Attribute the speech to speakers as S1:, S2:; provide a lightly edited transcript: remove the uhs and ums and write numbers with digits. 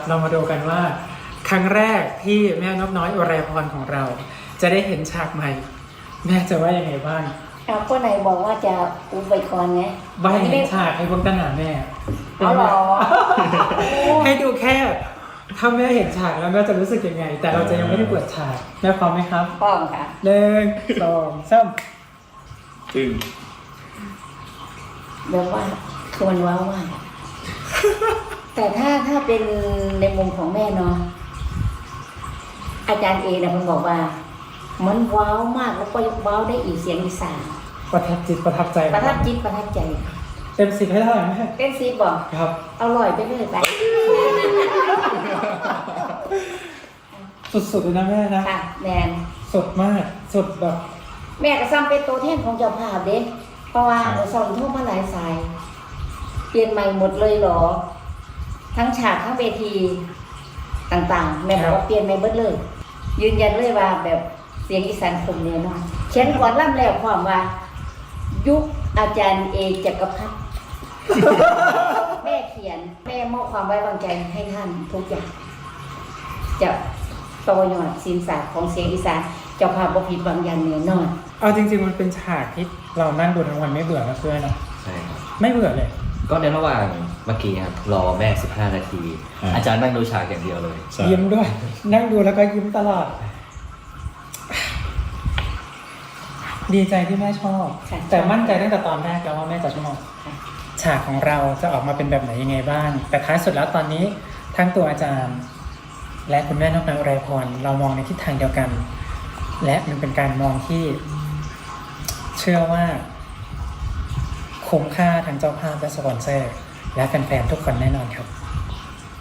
S1: เรามาดูกันว่าครั้งแรกที่แม่นกน้อยอุไรพรของเรา จะได้เห็นฉากใหม่ แม่จะว่ายังไงบ้าง
S2: เอาก็ไหนบอกว่าจะอุบไว้ก่อนไง
S1: ว่าให้เห็นฉากให้พวกตั้งหาแม่
S2: เอาหรอ
S1: ให้ดูแค่ถ้าแม่เห็นฉากแล้วแม่จะรู้สึกยังไง แต่เราจะยังไม่ได้เปิดฉากแม่พร้อมไหมครับ
S2: พร้อมค่ะ
S1: 1 2 3
S3: ตึง
S2: แบบว่าคือมันว้าวมากอะแต่ถ้าเป็นในมุมของแม่เนาะอาจารย์เอนะมันบอกว่า มันว้าวมากแล้วก็ว้าวได้อีกเสียงอีสาน
S1: ประทับจิตประทับใจ
S2: ประทับจิตประทับใจ
S1: เต็ม10ให้เท่าไหร่แม่
S2: เป็นซีบอก
S1: ครับ
S2: อร่อยไปเลยไป
S1: สุดๆเลยนะแม่นะ
S2: ค่ะแมน
S1: สดมากสดแบบ
S2: แม่ก็ซ้ำเป็นตัวแทนของเจ้าภาพเด้เพราะว่าสอนทั่วมาหลายสาย เปลี่ยนใหม่หมดเลยเหรอ ทั้งฉากทั้งเวทีต่างๆ แม่บอกว่าเปลี่ยนใหม่เบิดเลย ยืนยันเลยว่าแบบเสียงอีสานคมแน่นอนเขียนก่อนล่ำแล้วความว่า ยุคอาจารย์เอจักรพัฒน์ แม่เขียนแม่มอบความไว้วางใจให้ท่านทุกอย่างจะต่อยอดศิลปศาสตร์ของเสียงอีสานเจ้าภาพบ่ผิดหวังอย่างแน่นอน
S1: เอาจริงๆมันเป็นฉากที่เรานั่งดูทั้งวันไม่เบื่อนะเพื่อนเนาะ
S3: ใช่ครับ
S1: ไม่เบื่อเลย
S3: ก็ในระหว่างเมื่อกี้ครับรอแม่15 นาที อาจารย์นั่งดูฉากอย่างเดียวเลย
S1: ยิ้มด้วย นั่งดูแล้วก็ยิ้มตลอด ดีใจที่แม่ชอบ
S2: ค่ะ
S1: แต่มั่นใจตั้งแต่ตอนแรกแล้วว่าแม่จะชอบ
S2: ค่ะ
S1: ฉากของเราจะออกมาเป็นแบบไหนยังไงบ้าง แต่ท้ายสุดแล้วตอนนี้ทั้งตัวอาจารย์ และคุณแม่นกนางอุไรพรเรามองในทิศทางเดียวกัน และมันเป็นการมองที่เชื่อว่าคุ้มค่าทั้งเจ้าภาพและสปอนเซอร์และแฟนๆทุกคนแน่นอนครับ